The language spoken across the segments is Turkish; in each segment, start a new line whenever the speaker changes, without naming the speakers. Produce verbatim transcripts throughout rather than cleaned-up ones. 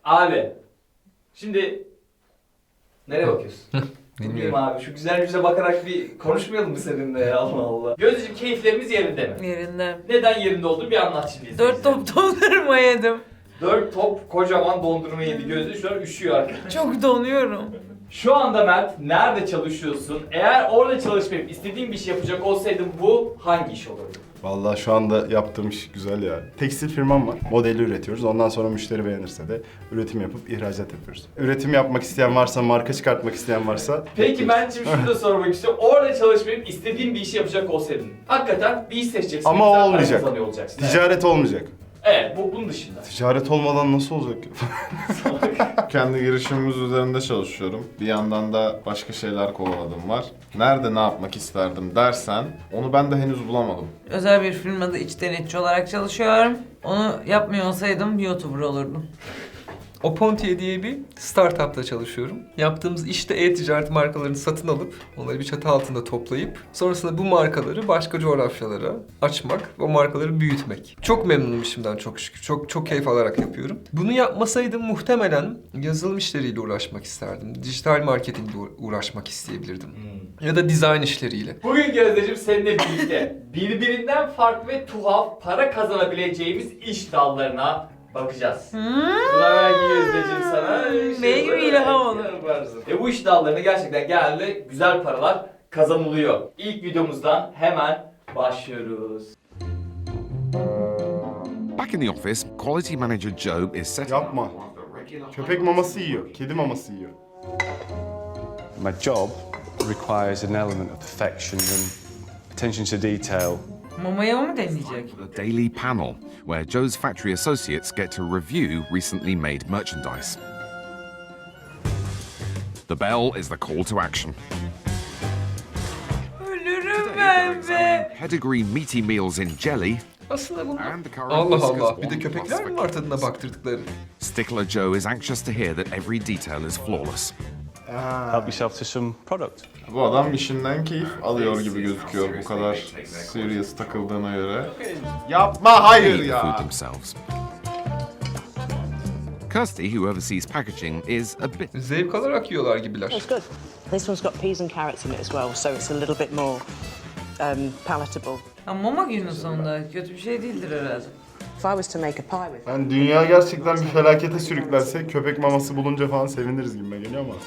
Abi. Şimdi nereye bakıyorsun? Bilmiyorum abi. Şu güzel yüze bakarak bir konuşmayalım mı seninle ya? Allah Allah. Gözdeciğim, keyiflerimiz yerinde mi?
Yerinde.
Neden yerinde olduğunu bir anlat şimdi.
Dört top dondurma yedim.
Dört top kocaman dondurma yedi Gözde. Şu an üşüyor arkadaşlar.
Çok donuyorum.
Şu anda Mert nerede çalışıyorsun? Eğer orada çalışmayıp istediğin bir şey yapacak olsaydın bu hangi iş olurdu?
Vallahi şu anda yaptığım iş güzel ya. Tekstil firmam var. Modeli üretiyoruz. Ondan sonra müşteri beğenirse de üretim yapıp ihracat yapıyoruz. Üretim yapmak isteyen varsa, marka çıkartmak isteyen varsa...
Peki ben şimdi şunu da sormak istiyorum. Orada çalışmayıp istediğin bir işi yapacak olsaydın. Hakikaten bir iş seçeceksin.
Ama
güzel
o
para
olmayacak.
kazanıyor olacaksın.
Ticaret olmayacak.
Evet, bu bunun dışında.
Ticaret olmadan nasıl olacak?
Kendi girişimimiz üzerinde çalışıyorum. Bir yandan da başka şeyler kovaladım var. Nerede ne yapmak isterdim dersen onu ben de henüz bulamadım.
Özel bir firmada iç denetçi olarak çalışıyorum. Onu yapmıyor olsaydım YouTuber olurdum.
Opontiye diye bir startupta çalışıyorum. Yaptığımız işte e-ticaret markalarını satın alıp onları bir çatı altında toplayıp sonrasında bu markaları başka coğrafyalara açmak, o markaları büyütmek. Çok memnunum işimden çok şükür. Çok çok keyif alarak yapıyorum. Bunu yapmasaydım muhtemelen yazılım işleriyle uğraşmak isterdim. Dijital marketingle uğraşmak isteyebilirdim.
Hmm.
Ya da dizayn işleriyle.
Bugün Gözdeciğim seninle birlikte birbirinden farklı ve tuhaf para kazanabileceğimiz iş dallarına bakacağız.
Hmm.
Buna belki Gözdeciğim sana
Ne gibi ilham olur.
yaparsın. Ve bu iş dallarına gerçekten genelde güzel paralar kazanılıyor. İlk videomuzdan hemen başlıyoruz.
Back in the office, quality manager Job is set
Yapma. Köpek maması yiyor, kedi maması yiyor.
My job requires an element of perfection and attention to detail.
Mamaya mı deneyecek?
a daily panel where Joe's factory associates get to review recently made merchandise. The bell is the call to action.
Ölürüm ben be.
Pedigree meaty meals in jelly.
Aslında bunlar...
And the current
Allah
whiskers
Allah, bir de
one
köpekler
plus
mi var tadına baktırdıkları?
Stickler Joe is anxious to hear that every detail is flawless.
Help yourself to some product.
Bu adam işinden keyif alıyor gibi gözüküyor bu kadar serious takıldığına göre. Yapma hayır
They eat the
ya.
food themselves. Kirsty, who oversees packaging, is a bit
Zevk alarak yiyorlar gibiler.
It's good. This one's got peas and carrots in it as well, so it's a little bit more um, palatable.
Ha, mama günün sonunda kötü bir şey değildir herhalde.
If I was to make a pie with it,
Yani dünya gerçekten bir felakete sürüklense köpek maması bulunca falan seviniriz gibime geliyor ama.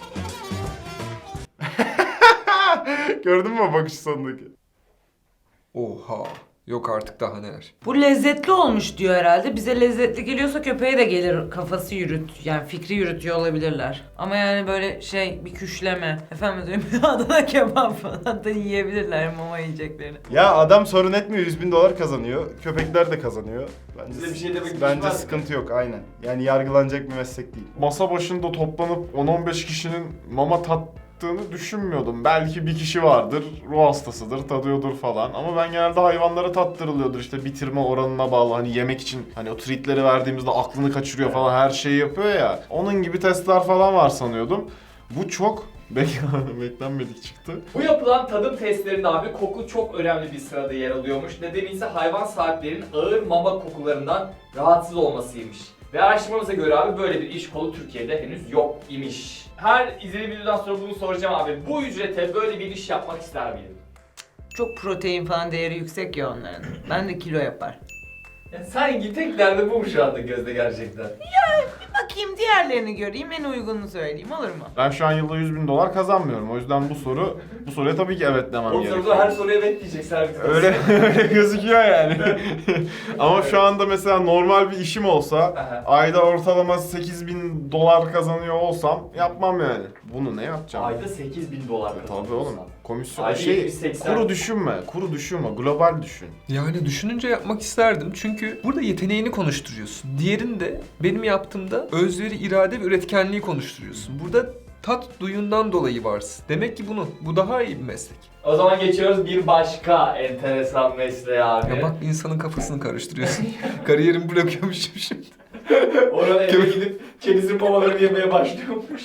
Gördün mü o bakış sonundaki?
Oha. Yok artık daha neler.
Bu lezzetli olmuş diyor herhalde. Bize lezzetli geliyorsa köpeğe de gelir kafası yürüt. Yani fikri yürütüyor olabilirler. Ama yani böyle şey bir küşleme. Efendim diyorum Adana kebap falan da yiyebilirler mama yiyeceklerini.
Ya adam sorun etmiyor, yüz bin dolar kazanıyor. Köpekler de kazanıyor. Bence,
Size bir şey demek
bence
düşmez mi?
sıkıntı yok aynen. Yani yargılanacak bir meslek değil.
Masa başında toplanıp on on beş kişinin mama tattığını düşünmüyordum. Belki bir kişi vardır, ruh hastasıdır, tadıyordur falan. Ama ben genelde hayvanlara tattırılıyordur işte bitirme oranına bağlı. Hani yemek için hani o treatleri verdiğimizde aklını kaçırıyor falan her şeyi yapıyor ya. Onun gibi testler falan var sanıyordum. Bu çok bek- beklenmedik çıktı.
Bu yapılan tadım testlerinde abi koku çok önemli bir sırada yer alıyormuş. Nedeni ise hayvan sahiplerinin ağır mama kokularından rahatsız olmasıymış. Ve araştırmamıza göre abi böyle bir iş kolu Türkiye'de henüz yok imiş. Her izlediğim videodan sonra bunu soracağım abi. Bu ücrete böyle bir iş yapmak ister miydin?
Çok protein falan değeri yüksek ya onların. Ben de kilo yapar.
Ya sanki tek derdi bu mu şu anda Gözde gerçekten?
Bakayım diğerlerini göreyim en uygununu söyleyeyim olur mu?
Ben şu an yılda yüz bin dolar kazanmıyorum. O yüzden bu soru, bu soruya tabii ki evet demem
Oğlum
gerekiyor.
soruda her soruya evet diyeceksin her bir
Öyle öyle gözüküyor yani. Ama şu anda mesela normal bir işim olsa,
Aha.
ayda ortalama sekiz bin dolar kazanıyor olsam yapmam yani. Bunu ne yapacağım?
Ayda sekiz bin dolar
E,
kazanıyorsun.
tabii oğlum. Komisyon
Ayda
şey,
yetmiş seksen.
kuru düşünme, kuru düşünme, global düşün.
Yani düşününce yapmak isterdim çünkü burada yeteneğini konuşturuyorsun. Diğerinde benim yaptığımda özveri, irade ve üretkenliği konuşturuyorsun. Burada tat duyundan dolayı varsın. Demek ki bunu, bu daha iyi bir meslek.
O zaman geçiyoruz bir başka enteresan mesleğe abi.
Ya bak insanın kafasını karıştırıyorsun. Kariyerimi bırakıyormuşum şimdi.
Orada eve gidip kendisinin mamalarını yemeye başlıyormuş.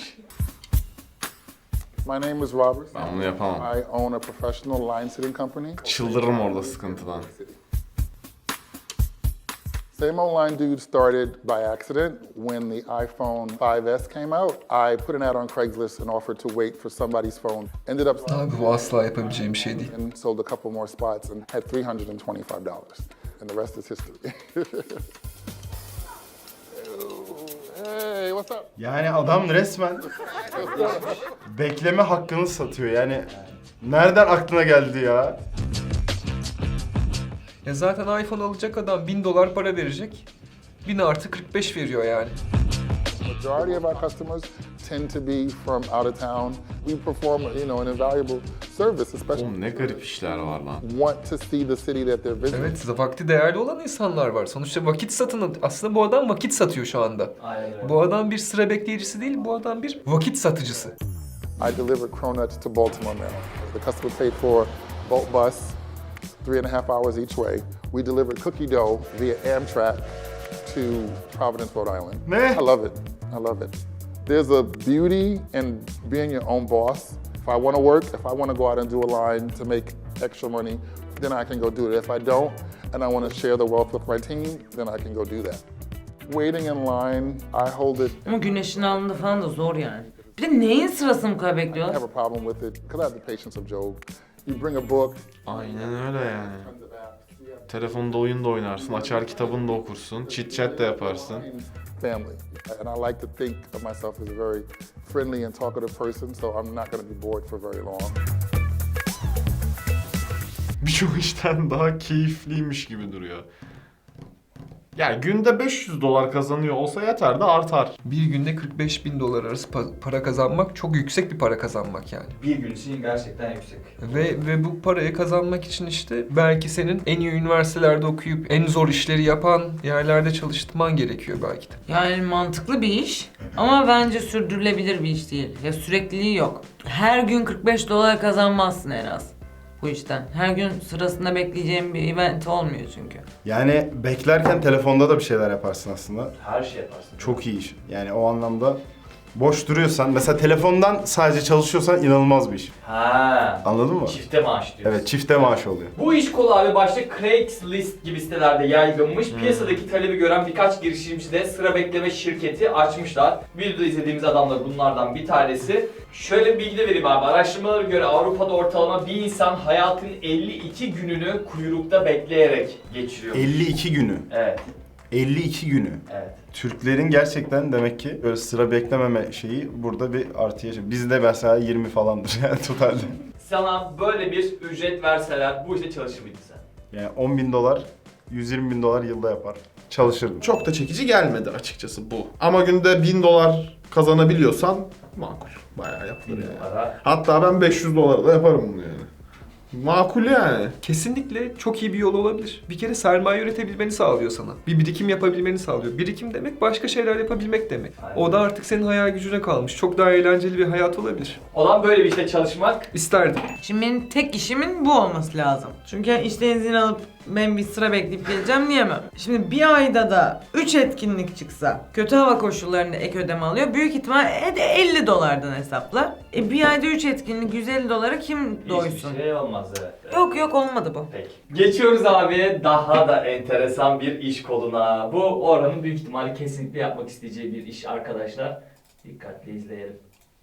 My name is Robert.
Ben bunu yapamam.
I own a professional line sitting company.
Çıldırırım orada sıkıntıdan.
Same old line dude started by accident when the iPhone five S came out. I put an ad on Craigslist and offered to wait for somebody's phone. Ended up
Abi bu asla yapabileceğim bir şey değil.
and sold a couple more spots and had three hundred twenty-five dollars. And the rest is history. Hey, what's up?
Yani adam resmen bekleme hakkını satıyor yani. Nereden aklına geldi ya?
Ya zaten iPhone alacak adam bin dolar para verecek. bin artı kırk beş veriyor yani.
Majority of our customers tend to be from out of town. We perform, you know, an invaluable service, especially
Oğlum ne garip işler var lan.
want to see the city that they're visiting.
Evet, vakti değerli olan insanlar var. Sonuçta vakit satın, aslında bu adam vakit satıyor şu anda.
Aynen öyle.
Bu adam bir sıra bekleyicisi değil, bu adam bir vakit satıcısı.
I delivered cronuts to Baltimore, Maryland. The customer paid for Bolt bus, three and a half hours each way. We delivered cookie dough via Amtrak to Providence, Rhode Island.
Ne?
I love it. I love it. There's a beauty in being your own boss. If I want to work, if I want to go out and do a line to make extra money, then I can go do it. If I don't, and I want to share the wealth with my team, then I can go do that. Waiting in line, I hold it.
Ama güneşin altında falan da zor yani. Bir de neyin sırasını bu kadar
I
bekliyorlar?
have a problem with it because I have the patience of Job. You bring a book.
Aynen öyle yani. Telefonda oyun da oynarsın, açar kitabını da okursun, chit chat de yaparsın.
Family. And I like to think of myself as a very friendly and talkative person, so I'm not going to be bored for very long.
Birçok işten daha keyifliymiş gibi duruyor. Yani günde beş yüz dolar kazanıyor olsa yeter de artar.
Bir günde kırk beş bin dolar arası pa- para kazanmak çok yüksek bir para kazanmak yani.
Bir gün için gerçekten yüksek.
Ve ve bu parayı kazanmak için işte belki senin en iyi üniversitelerde okuyup en zor işleri yapan yerlerde çalıştırman gerekiyor belki de.
Yani mantıklı bir iş ama bence sürdürülebilir bir iş değil. Ya sürekliliği yok. Her gün kırk beş dolar kazanmazsın en az bu işten. Her gün sırasında bekleyeceğim bir event olmuyor çünkü.
Yani beklerken telefonda da bir şeyler yaparsın aslında.
Her şey yaparsın.
Çok iyi iş. Yani o anlamda boş duruyorsan, mesela telefondan sadece çalışıyorsan inanılmaz bir iş.
Ha.
Anladın mı?
Çifte maaş diyorsun.
Evet, çifte maaş oluyor.
Bu iş kolu abi başta Craigslist gibi sitelerde yaygınmış. Piyasadaki talebi gören birkaç girişimci de sıra bekleme şirketi açmışlar. Videoda izlediğimiz adamlar bunlardan bir tanesi. Şöyle bir bilgi de vereyim abi. Araştırmalara göre Avrupa'da ortalama bir insan hayatın elli iki gününü kuyrukta bekleyerek geçiriyor.
elli iki günü.
Evet.
elli iki günü.
Evet.
Türklerin gerçekten demek ki böyle sıra beklememe şeyi burada bir artı yaşıyor. Bizde mesela yirmi falandır yani totalde.
Sana böyle bir ücret verseler bu işte çalışır mıydın sen?
Yani on bin dolar, yüz yirmi bin dolar yılda yapar. Çalışırdım.
Çok da çekici gelmedi açıkçası bu. Ama günde bin dolar kazanabiliyorsan makul. Bayağı yapılır yani.
Para.
Hatta ben beş yüz dolara da yaparım bunu yani. Makul yani.
Kesinlikle çok iyi bir yol olabilir. Bir kere sermaye üretebilmeni sağlıyor sana. Bir birikim yapabilmeni sağlıyor. Birikim demek başka şeyler yapabilmek demek.
Aynen.
O da artık senin hayal gücüne kalmış. Çok daha eğlenceli bir hayat olabilir.
Olan böyle bir işte çalışmak.
İsterdim.
Şimdi benim tek işimin bu olması lazım. Çünkü işten izin alıp ben bir sıra bekleyip geleceğim diyemem. Şimdi bir ayda da üç etkinlik çıksa, kötü hava koşullarında ek ödeme alıyor. Büyük ihtimal e de elli dolardan hesapla. E bir ayda üç etkinlik yüz elli dolara kim doysun?
Hiçbir şey olmaz evet.
Yok yok olmadı bu.
Peki. Geçiyoruz abi daha da enteresan bir iş koluna. Bu Orhan'ın büyük ihtimalle kesinlikle yapmak isteyeceği bir iş arkadaşlar. Dikkatli izleyelim.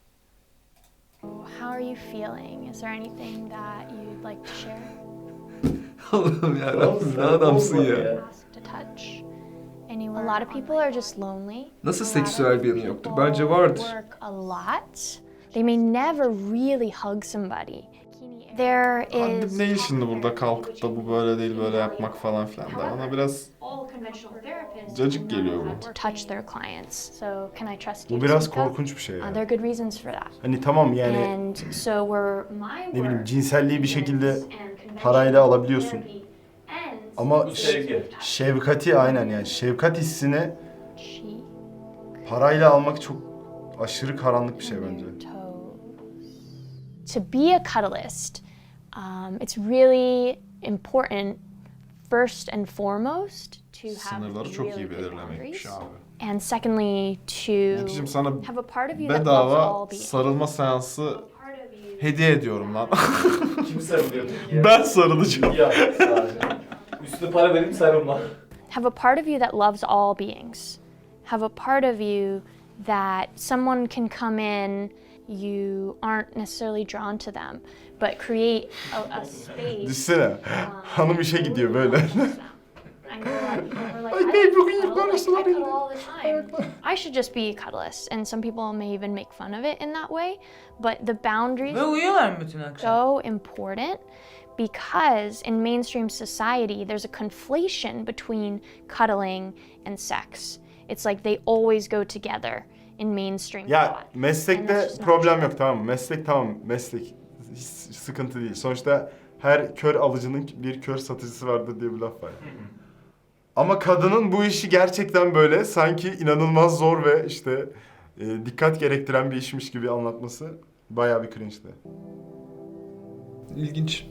How are you feeling? Is there anything that you'd like to share?
Allah'ım yarabbim ne adamsın ya.
Ask to touch anywhere. A lot of people are just lonely.
Nasıl
A lot
seksüel
of
bir yanı yoktur?
people
Bence vardır.
Work a lot. They may never really hug somebody. There
Abi
is
ne şimdi burada kalkıp da bu böyle değil böyle yapmak falan filan da bana biraz cacık geliyor bu.
touch their clients. So can I trust you?
Bu
to
biraz
speak up?
korkunç bir şey
Uh,
yani.
there are good reasons for that.
Hani tamam yani
And so we're my
ne bileyim
work
cinselliği bir şekilde
and conventional
parayla alabiliyorsun.
therapy ends
Ama
Bu sevgi.
şefkati aynen yani şefkat hissini
cheek
parayla almak çok aşırı karanlık bir şey bence.
toes. To be a cuddlist, um, it's really important first and foremost to have
Sınırları çok
really
iyi
good
belirlemekmiş
boundaries.
abi.
And secondly, to
Şimdi sana
have a part of you that loves
bedava
all beings.
sarılma seansı
Part of you
hediye ediyorum lan.
Kim sarılıyor peki ya?
Ben sarılacağım.
Ya sadece. Üstüne para verip sarılma.
have a part of you that loves all beings. Have a part of you that someone can come in, you aren't necessarily drawn to them, but create a, a space.
Düşsene. Hanım işe gidiyor böyle.
I know a lot of people who are like,
Ay,
I,
babe, bugün
cuddle,
yıkanırsın
like, I
arayın.
cuddle all the time. I should just be a cuddlist, and some people may even make fun of it in that way, but the boundaries
Ve uyuyorlar mı bütün akşam?
so important because in mainstream society there's a conflation between cuddling and sex. It's like they always go together in mainstream
Ya
thought. And
meslekte
that's just not
problem
true.
yok, tamam mı? Meslek tamam, meslek hiç sıkıntı değil. Sonuçta her kör alıcının bir kör satıcısı vardır diye bir laf var. Ama kadının bu işi gerçekten böyle sanki inanılmaz zor ve işte e, dikkat gerektiren bir işmiş gibi anlatması bayağı bir cringe'di.
İlginç.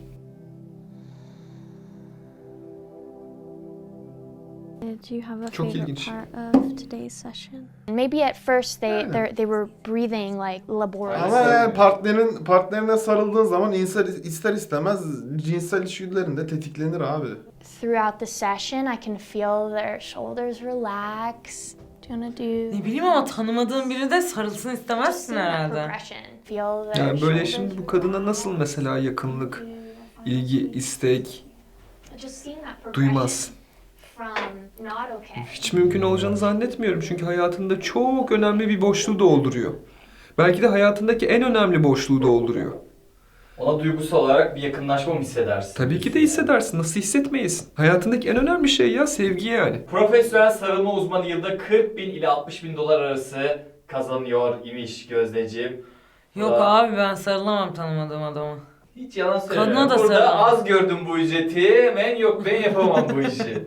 Did you have a
Çok
favorite
ilginç.
part of today's session? Maybe at first they they they were breathing like laborious.
Ama yani partnerin partnerine sarıldığın zaman insan ister istemez cinsel içgüdülerinde tetiklenir abi.
Throughout the session, I can feel their shoulders relax. Do you wanna do?
Ne bileyim ama tanımadığın biri de sarılsın istemezsin
Just in that
herhalde.
progression. Feel their
Yani böyle
shoulders
şimdi bu kadına nasıl mesela yakınlık, ilgi, istek
Just seeing that progression
duymaz?
from not okay.
Hiç mümkün olacağını zannetmiyorum çünkü hayatında çok önemli bir boşluğu dolduruyor. Belki de hayatındaki en önemli boşluğu dolduruyor.
Ona duygusal olarak bir yakınlaşma mı hissedersin?
Tabii ki de hissedersin. Nasıl hissetmeyesin? Hayatındaki en önemli şey ya sevgi yani.
Profesyonel sarılma uzmanı yılda kırk bin ile altmış bin dolar arası kazanıyor imiş Gözdeciğim.
Yok
Aa.
abi ben sarılamam tanımadığım adama.
Hiç yalan söylemiyorum.
Kadına da
Burada
sarılamam.
az gördüm bu ücreti. Ben yok ben yapamam bu işi.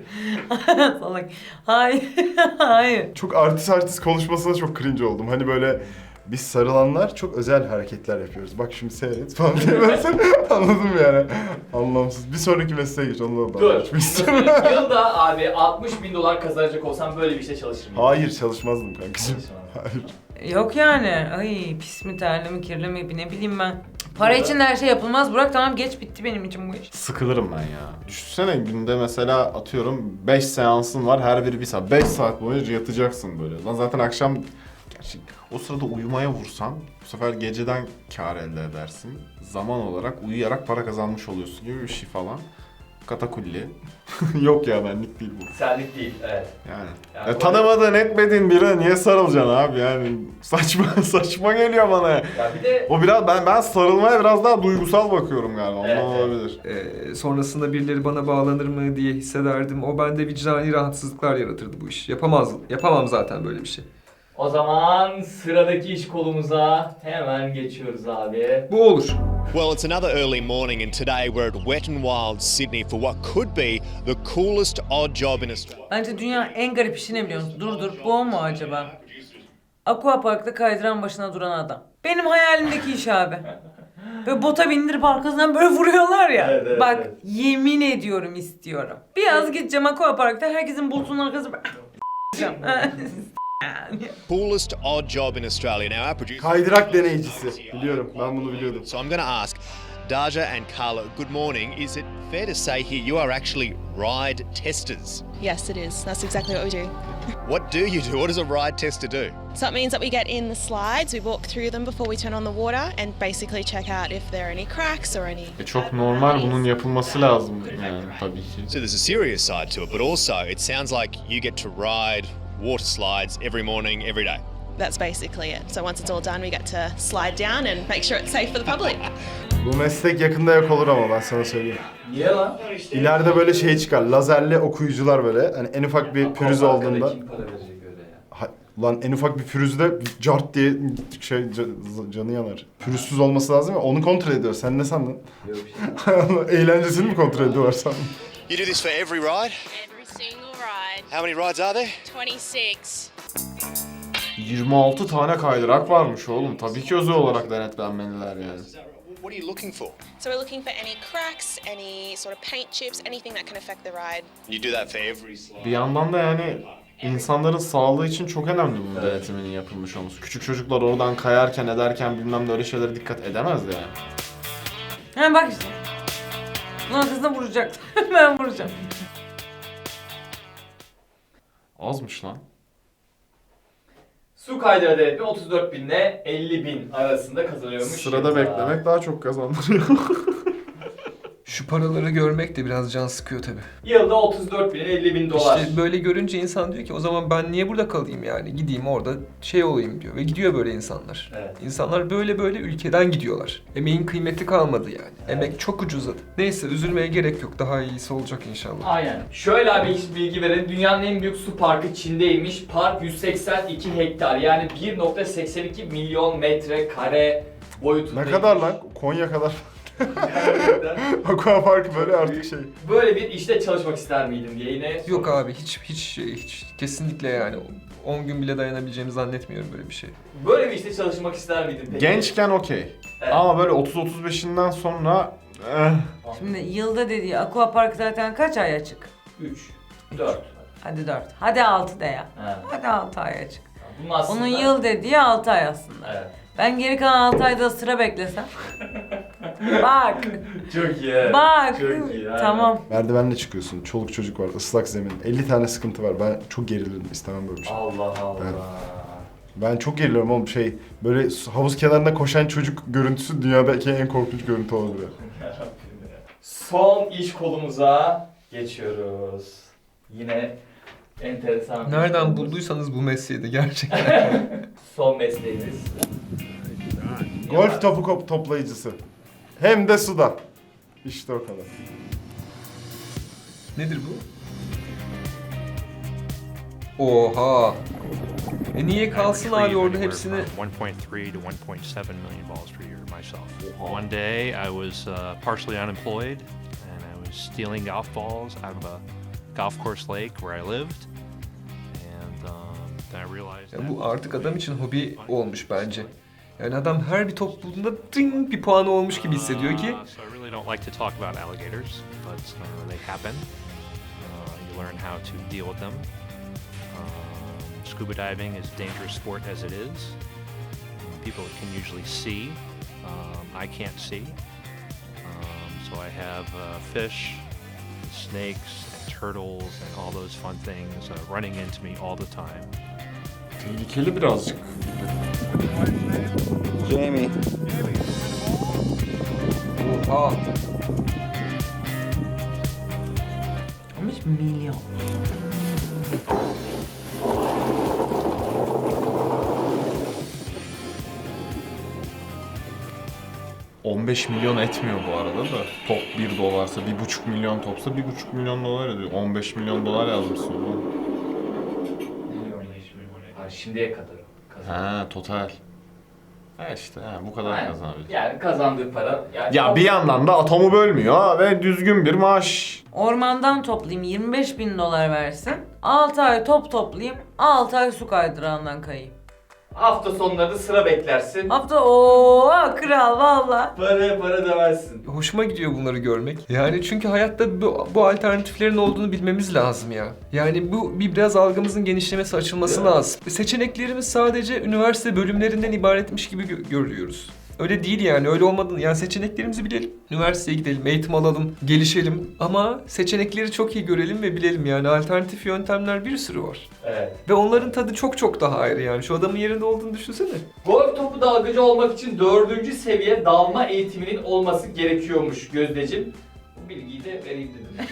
Salak. Hayır. Hayır.
Çok artist artist konuşmasına çok cringe oldum. Hani böyle biz sarılanlar çok özel hareketler yapıyoruz. Bak şimdi seyret falan diye versen anladım yani. Anlamsız. Bir sonraki mesleğe geç. Onunla da
Dur.
geçmek istiyorum.
Yılda abi altmış bin dolar kazanacak olsam böyle bir işte çalışır mıyım?
Hayır, çalışmazdım kankacığım.
Çalışmam.
Hayır.
Yok yani. Ay pis mi terli mi kirli mi ne bileyim ben. Para için de her şey yapılmaz. Burak tamam geç bitti benim için bu iş.
Sıkılırım ben ya. Düşünsene günde mesela atıyorum beş seansın var, her biri bir saat. beş saat boyunca yatacaksın böyle. Lan zaten akşam gerçi o sırada uyumaya vursan bu sefer geceden kâr elde edersin. Zaman olarak uyuyarak para kazanmış oluyorsun gibi bir şey falan. Katakulli. Yok ya, benlik değil bu.
Senlik değil, evet.
Yani.
Yani
Ya
bu-
tanımadığın etmediğin birine niye sarılacaksın abi yani saçma saçma geliyor bana.
Ya bir de
O biraz ben ben sarılmaya biraz daha duygusal bakıyorum galiba. Ondan
Evet, evet.
olabilir.
Ee, sonrasında birileri bana bağlanır mı diye hissederdim. O bende vicdani rahatsızlıklar yaratırdı bu iş. Yapamaz, yapamam zaten böyle bir şey.
o zaman sıradaki iş kolumuza hemen geçiyoruz abi.
Bu olur.
Well, it's another early morning, and today we're at Wet n Wild Sydney for what could be the coolest odd job in Australia.
Bence dünya en garip işi ne biliyor musun? Dur dur bu o mu acaba? Aquapark'ta kaydıran başına duran adam. Benim hayalimdeki iş abi. Böyle bota bindirip arkasından böyle vuruyorlar ya.
Evet, evet,
Bak
evet.
yemin ediyorum istiyorum. Biraz gideceğim Aquapark'ta herkesin bulutunun arkasında
Coolest odd job in Australia. Now, our producer.
Kaydırak deneyicisi. Biliyorum, ben bunu biliyordum.
So I'm going to ask Daja and Carla, good morning. Is it fair to say here you are actually ride testers?
Yes, it is. That's exactly what we do.
What do you do? What does a ride tester do?
So it means that we get in the slides, we walk through them before we turn on the water and basically check out if there are any cracks or any...
E çok normal, bunun yapılması lazım yani tabii ki.
So there's a serious side to it, but also it sounds like you get to ride water slides every morning, every day.
That's basically it. So once it's all done, we get to slide down and make sure it's safe for the public.
Bu meslek yakında yok olur ama ben sana söyleyeyim.
Niye lan?
İleride böyle şey çıkar, lazerli okuyucular böyle. Hani en ufak bir pürüz
Aquapark'ta
olduğunda...
kim para verecek öyle ya?
Ha, lan en ufak bir pürüzde cart diye şey ca- canı yanar. Pürüzsüz olması lazım ya, onu kontrol ediyor. Sen ne sandın?
Yok bir şey.
Eğlencesini mi kontrol ediyorlar sandın?
You do this for every ride?
Every single ride.
How many rides are there?
twenty-six.
yirmi altı tane kaydırak varmış oğlum. Tabii ki özel olarak denetlenmeliler yani.
What are you looking for?
So we're looking for any cracks, any sort of paint chips, anything that can affect the ride.
You do that for every slide.
Bir yandan da yani insanların sağlığı için çok önemli bunun denetiminin yapılmış olması. Küçük çocuklar oradan kayarken ederken bilmem ne öyle şeylere dikkat edemezdi yani.
Ha bak işte. Bunun arkasında vuracak. Ben vuracağım.
Azmış lan.
Su kaydıra denetme otuz dört bin ile elli bin arasında kazanıyormuş.
Sırada
yılda.
beklemek daha çok kazandırıyor.
Şu paraları görmek de biraz can sıkıyor tabii.
Yılda otuz dört bin ile elli bin dolar.
İşte böyle görünce insan diyor ki o zaman ben niye burada kalayım yani? Gideyim orada şey olayım diyor. Ve gidiyor böyle insanlar.
Evet.
İnsanlar böyle böyle ülkeden gidiyorlar. Emeğin kıymeti kalmadı yani.
Evet.
Emek çok ucuzladı. Neyse üzülmeye gerek yok. Daha iyisi olacak inşallah.
Aynen. Şöyle abi hiç bilgi verelim. Dünyanın en büyük su parkı Çin'deymiş. Park yüz seksen iki hektar yani bir nokta seksen iki milyon metrekare boyutundaymış.
Ne kadar lan? Konya kadar. Aqua Park böyle artık şey.
Böyle bir işte çalışmak ister miydin diye yine
Yok abi hiç hiç şey, hiç kesinlikle yani on gün bile dayanabileceğimi zannetmiyorum böyle bir şey.
Böyle bir işte çalışmak ister miydin peki?
Gençken okey.
Evet.
Ama böyle otuz otuz beşinden sonra eh.
Şimdi yılda dediği aquapark zaten kaç ay açık?
üç, dört.
Hadi dört. Hadi altı de ya.
Ha.
Hadi altı ay açık.
Bunun aslında...
Onun yıl dediği altı ay aslında.
Evet.
Ben geri kalan altı ayda sıra beklesem. Bak.
Çok iyi.
Bak.
Çok iyi. aynen.
Tamam.
Merdivenle çıkıyorsun. Çoluk çocuk var. Islak zemin. elli tane sıkıntı var. Ben çok gerilirim. İstemem böyle bir şey.
Allah Allah.
Evet. Ben çok geriliyorum oğlum şey. Böyle havuz kenarında koşan çocuk görüntüsü dünyadaki en korkunç görüntü olabilir.
Yarabbim ya. Son iş kolumuza geçiyoruz. Yine enteresan. bir
Nereden
konumuz.
bulduysanız bu mesleği de gerçekten.
Son mesleğimiz.
Golf topu kop- toplayıcısı. Hem de suda. İşte o kadar.
Nedir bu? Oha. E niye kalsın abi orada hepsini?
one point three to one point seven million balls per year myself. One day I was uh, partially unemployed and I was stealing golf balls out of a golf course lake where I lived. And um, then I realized
Ya
that
bu artık adam için hobi olmuş bence. Yani adam her bir top bulduğunda ding bir puanı olmuş gibi hissediyor ki.
Uh, so I really don't like to talk about alligators, but uh, they happen. Uh, you learn how to deal with them. Um, scuba diving is a dangerous sport as it is. Um, people can usually see. Um, I can't see. Um, so I have uh, fish, snakes, and turtles, and all those fun things uh, running into me all the time.
Tehlikeli birazcık.
Jamie.
Oha.
on beş milyon.
on beş milyon etmiyor bu arada da. Top bir dolarsa, bir buçuk milyon topsa bir buçuk milyon dolar ediyor. on beş milyon dolar yazmışsın oğlum.
Ha, şimdiye kadar kazandı.
Ha, total. Ha işte ha, bu kadar
Aynen.
kazanabilir.
Yani kazandığı para. Yani
Ya bir yandan da atomu bölmüyor ha ve düzgün bir maaş.
Ormandan toplayayım yirmi beş bin dolar versin. altı ay top toplayayım. altı ay su kaydırağından kayayım.
Hafta sonları da sıra beklersin.
Hafta ooo kral valla.
Para para demezsin.
Hoşuma gidiyor bunları görmek. Yani çünkü hayatta bu, bu alternatiflerin olduğunu bilmemiz lazım ya. Yani bu bir biraz algımızın genişlemesi, açılması lazım. Seçeneklerimiz sadece üniversite bölümlerinden ibaretmiş gibi gö- görüyoruz. Öyle değil yani, öyle olmadığını. Yani seçeneklerimizi bilelim. Üniversiteye gidelim, eğitim alalım, gelişelim. Ama seçenekleri çok iyi görelim ve bilelim yani. Alternatif yöntemler bir sürü var.
Evet.
Ve onların tadı çok çok daha ayrı yani. Şu adamın yerinde olduğunu düşünsene.
Golf topu dalgıcı olmak için dördüncü seviye dalma eğitiminin olması gerekiyormuş Gözdeciğim. Bu bilgiyi de vereyim dedim.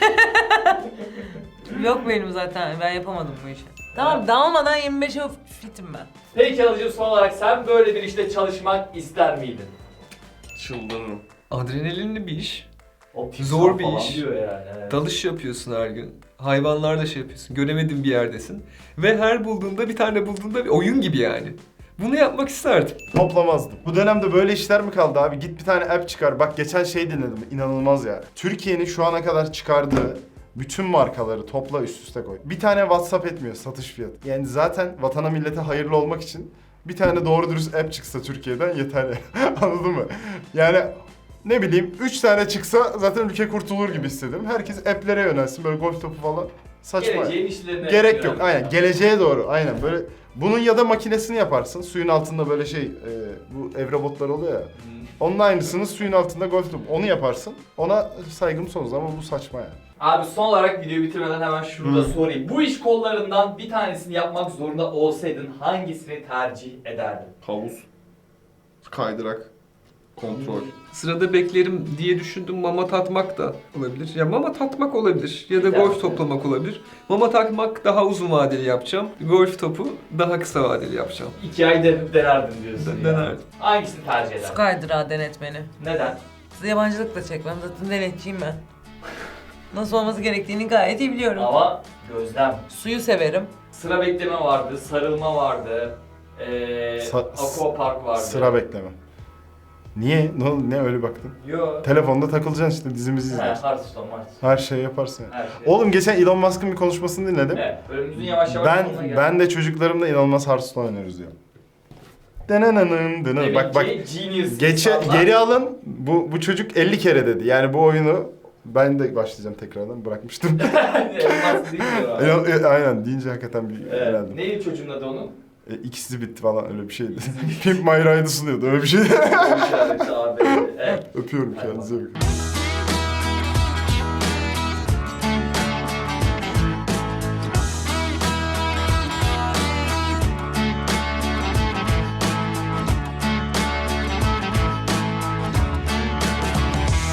Yok benim zaten ben yapamadım bu işi. Tamam dalmadan yirmi beşe fitim ben.
Peki Alıcım son olarak sen böyle bir işte çalışmak ister miydin?
Çıldırırım.
Adrenalinli bir iş.
O
Zor bir
falan
iş.
diyor yani. Evet.
Dalış yapıyorsun her gün. Hayvanlarla şey yapıyorsun. Göremediğin bir yerdesin. Ve her bulduğunda bir tane bulduğunda bir oyun gibi yani. Bunu yapmak isterdim.
Toplamazdım. Bu dönemde böyle işler mi kaldı abi? Git bir tane app çıkar. Bak geçen şey dinledim. İnanılmaz ya. Türkiye'nin şu ana kadar çıkardığı bütün markaları topla üst üste koy. Bir tane WhatsApp etmiyor satış fiyatı. Yani zaten vatana millete hayırlı olmak için bir tane doğru dürüst app çıksa Türkiye'den yeterli. Anladın mı? Yani ne bileyim üç tane çıksa zaten ülke kurtulur gibi hissediyorum. Herkes app'lere yönelsin böyle golf topu falan. Saçma.
Geleceğin işlerine.
Gerek yok.
yönelmek
Aynen.
lazım.
Geleceğe doğru. Aynen. Böyle Bunun ya da makinesini yaparsın. Suyun altında böyle şey, e, bu ev robotları oluyor ya. Onun aynısını suyun altında golf topu. Onu yaparsın. Ona saygım sonsuz ama bu saçma yani.
Abi son olarak videoyu bitirmeden hemen şunu da
Hı.
sorayım. Bu iş kollarından bir tanesini yapmak zorunda olsaydın hangisini tercih ederdin?
Havuz, kaydırak, kontrol.
Sırada beklerim diye düşündüm, mama tatmak da olabilir. Ya mama tatmak olabilir ya da
Bir tanesi.
golf toplamak olabilir. Mama tatmak daha uzun vadeli yapacağım. Golf topu daha kısa vadeli yapacağım.
İki ay denip denerdin diyorsun
De-
ya.
denerdim.
Hangisini tercih
Su
ederdin?
kaydırağı denetmeni.
Neden?
Size yabancılık da çekmem. Zaten denetçiyim ben. Nasıl olması gerektiğini gayet iyi biliyorum.
Ama gözlem.
Suyu severim.
Sıra bekleme vardı, sarılma vardı, ee,
Sa-
aquapark vardı.
Sıra bekleme. Niye? Ne, oldu? Ne öyle baktın?
Yo.
Telefonda takılacaksın işte, dizimizi
He,
izlersin.
Hearthstone, Hearthstone.
Her şeyi yaparsın yani.
Her şey.
Oğlum geçen Elon Musk'ın bir konuşmasını dinledim.
Evet, bölümümüzün yavaş yavaş
Ben
sonuna geldik.
ben de çocuklarımla inanılmaz Hearthstone oynuyoruz diyor. Denenanın denen.
Demek
Bak bak.
ki genius
Geçe
insanlar.
geri alın. Bu bu çocuk elli kere dedi. Yani bu oyunu ben de başlayacağım tekrardan. Bırakmıştım.
Elmas değil mi o?
Elon- e, Aynen deyince hakikaten bir
Evet.
herhalde.
Neydi çocuğun adı onun?
E, ikisi bitti falan öyle bir şeydi. Pimp My Ride'ı sunuyordu öyle bir şey.
O işareti abi. Evet.
Öpüyorum kendinize bakın.